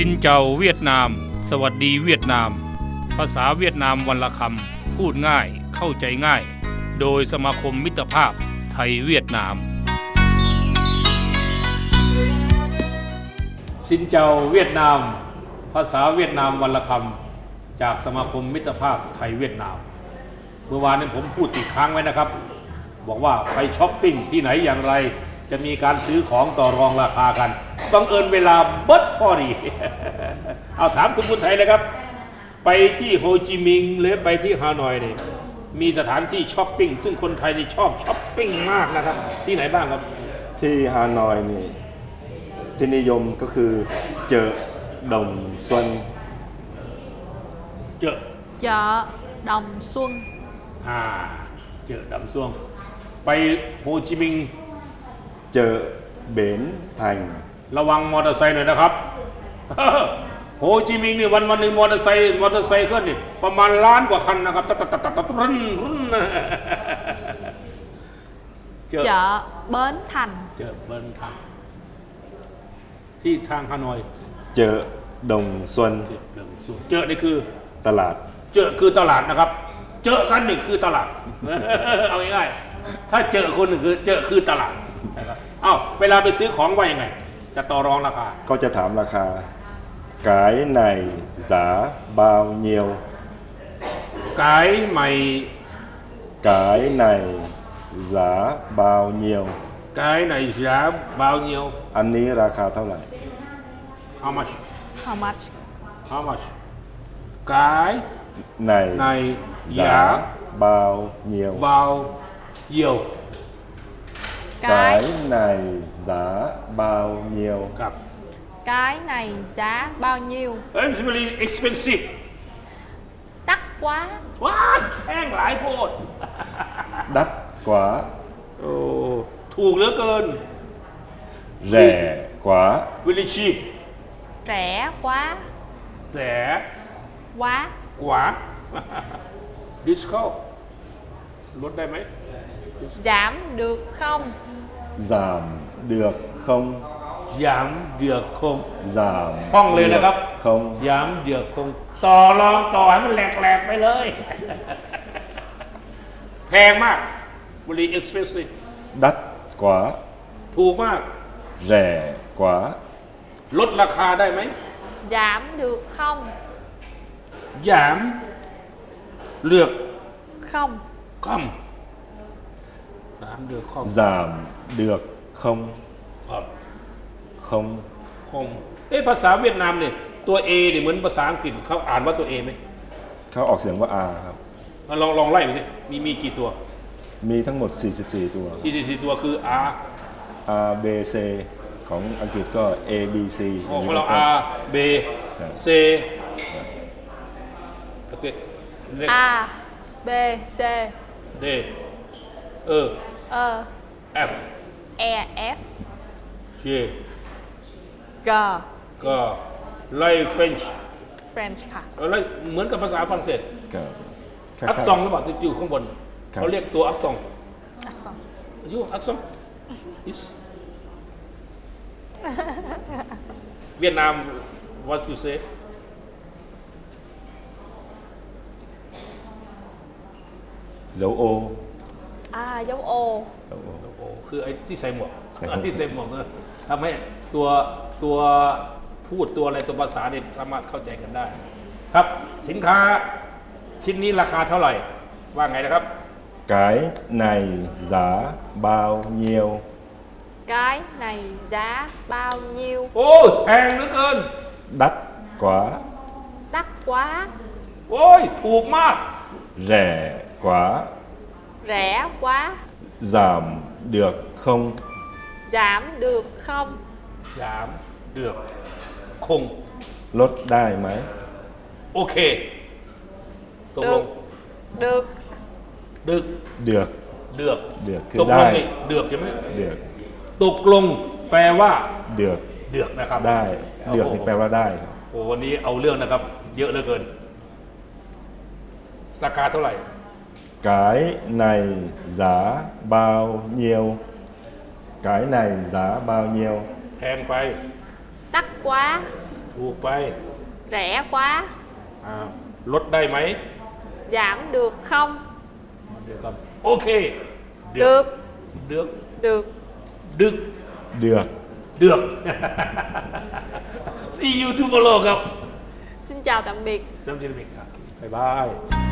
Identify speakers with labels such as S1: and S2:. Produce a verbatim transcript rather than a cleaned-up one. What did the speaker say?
S1: ซินเจ้าเวียดนามสวัสดีเวียดนามภาษาเวียดนามวันละคำพูดง่ายเข้าใจง่ายโดยสมาคมมิตรภาพไทยเวียดนามซินเจ้าเวียดนามภาษาเวียดนามวันละคำจากสมาคมมิตรภาพไทยเวียดนามเมื่อวานนี้ผมพูดติดค้างไว้นะครับบอกว่าไปช้อปปิ้งที่ไหนอย่างไรจะมีการซื้อของต่อรองราคากันต้องเอิญเวลาเบิดพอดี เอาถามคุณบุญไทยเลยครับไปที่โฮจิมินห์หรือไปที่ฮานอยนี่มีสถานที่ช้อปปิ้งซึ่งคนไทยนี่ชอบช้อปปิ้งมากนะครับที่ไหนบ้างครับ
S2: ที่ฮานอยนี่ที่นิยมก็คือเจอดงซุน
S1: เจอ
S3: เจอดงซุน
S1: อ่าเจอดำซ่วงไปโฮจิมินห์
S2: เจอเบนทัง
S1: ระวังมอเตอร์ไซค์หน่อยนะครับ โฮจิมินห์นี่วันวันหนึ่งมอเตอร์ไซค์มอเตอร์ไซค์เคลื่อนนี่ประมาณล้านกว่าคันนะครับตัดตัดตัดตัดรุ่นรุ่น
S3: เจอเบิร์นทัน
S1: เจอเบิร์นทันที่ทางฮานอย
S2: เจอดงซุน
S1: เจอนี่คือ
S2: ตลาด
S1: เจอคือตลาดนะครับเจอคันนี่คือตลาด เอาง่ายๆถ้าเจอคนนึงคือเจอคือตลาดนะครับเอ้าเวลาไปซื้อของว่ายังไงจะต่อรองราคา
S2: ก็จะถามราคาขายในสาบาวเนียว
S1: ขายใหม่
S2: ขายในสาบาวเนียว
S1: ขายในสาบาวเนียว
S2: อันนี้ราคาเท่าไหร่
S1: How much
S3: How much
S1: How much ขาย
S2: ใน
S1: ใน
S2: สาบาวเนียว
S1: บาวเยียว
S2: cái này giá bao nhiêu
S1: ครับ
S3: cái này giá bao nhiêu
S1: It's really expensive
S3: đắt quá
S1: ว้าแพงหลายโพด
S2: đắt quá
S1: โอ้ถูกเหลือเกิน
S2: rẻ quá
S1: really cheap
S3: rẻ quá
S1: แส
S3: quá
S1: กว่า discount ลดได้ไหม
S3: giảm được không
S2: giảm được không
S1: ยามเดือกคง
S2: giảm
S1: ท่องเลยนะครับ
S2: không
S1: ยามเดือกคงต่อรองต่อให้มันแหลกๆไปเลย แพงมาก very expensive
S2: đắt quá
S1: ถูกมาก
S2: rẻ quá
S1: ลดราคาได้ไหม
S3: giảm được không
S1: ยามเลือก
S3: không
S1: คำgiảm được không
S2: giảm được không
S1: ครับ
S2: không
S1: คงเอ๊ะภาษาเวียดนามเนี่ยตัว A เนี่ยเหมือนภาษาอังกฤษเขาอ่านว่าตัว A ไหม
S2: เขาออกเสียงว่า R ครับ
S1: ลองลองไล่ไปสิมีมีกี่ตัว
S2: มีทั้งหมดสี่สิบสี่ตัว
S1: สี่สิบสี่ตัวคือ R
S2: R B C ของอังกฤษก็ A B C
S1: ของเรา R B C โอเค
S3: A B C
S1: D E
S3: E
S1: F
S3: E F
S1: G
S3: G
S1: ก็ไล่ French
S3: French ค่ะ
S1: ไล่เหมือนกับภาษาฝรั่งเศส
S2: ครับ
S1: อักษรหรือเปล่าที่อยู่ข้างบนเขาเรียกตัวอักษร
S3: อักษร
S1: ยูอักษร is เวียดนาม what you say
S2: dấu ô
S3: อ่าdấu O
S1: โอ้คือไอ้ที่ใส่หมวกที่ใส่หมวกเนี่ยทำให้ตัวตัวพูดตัวอะไรตัวภาษาเนี่ยสามารถเข้าใจกันได้ครับสินค้าชิ้นนี้ราคาเท่าไหร่ว่าไงนะครับ
S2: cái này giá bao nhiêu
S3: cái này giá bao nhiêu
S1: โอ้แพงเหลือเกิน
S2: đắt quá
S3: đắt quá
S1: โอ้ยถูกมาก
S2: rẻ quá
S3: rẻ quá
S2: giảm được không
S3: giảm được không
S1: ยามเดือกคง
S2: ลดได้ไหม
S1: โอเคตกลง
S3: được
S1: ดึก
S2: เดือก
S1: เดือก
S2: เดือกคือ
S1: ตกล
S2: ได้
S1: งนี่เดือกใช่ไหม
S2: เดือก
S1: ตกลงแปลว่า
S2: เดือก
S1: เดือกนะครับ
S2: ได้เดือกนี่แปลว่าได้
S1: โอ้วันนี้เอาเรื่องนะครับ เยอะเหลือเกินราคาเท่าไหร่
S2: cái này giá bao nhiêu cái này giá bao nhiêu
S1: แพงไป
S3: đắt quá
S1: ถูกไป
S3: rẻ quá
S1: อ่าลดได้ไหม
S3: giảm được không
S1: เดี๋ยวครับโอเคเดือก
S3: được
S1: เดือก
S3: được
S1: ดึก
S2: เดือก
S1: เดือก see you tomorrow ครับ
S3: xin chào tạm biệt
S1: สวัสดีครับบ๊ายบาย